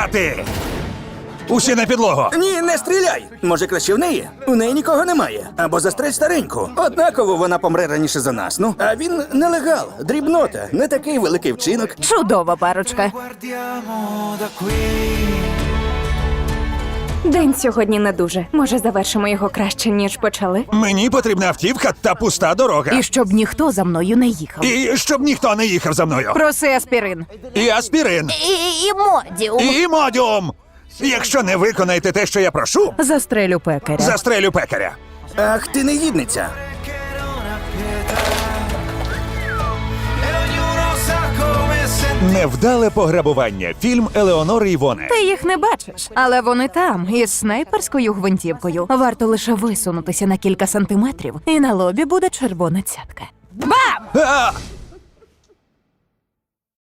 Стріляти! Усі на підлогу! Ні, не стріляй! Може, краще в неї? У неї нікого немає. Або застрель стареньку. Однаково вона помре раніше за нас, ну. А він нелегал, дрібнота, не такий великий вчинок. Чудова парочка. Guardiamo da qui. День сьогодні не дуже. Може, завершимо його краще, ніж почали? Мені потрібна автівка та пуста дорога. І щоб ніхто за мною не їхав. І щоб ніхто не їхав за мною. Проси аспірин. І аспірин. І модіум. І модіум. Якщо не виконаєте те, що я прошу, Застрелю пекаря. застрелю пекаря. Ах, ти негідниця. Che non ha pietà. E ognuno sa come sentire. Невдале пограбування. Фільм Елеонори Івоне. Ти їх не бачиш, але вони там, із снайперською гвинтівкою. Варто лише висунутися на кілька сантиметрів, і на лобі буде червона цятка. Бам! А!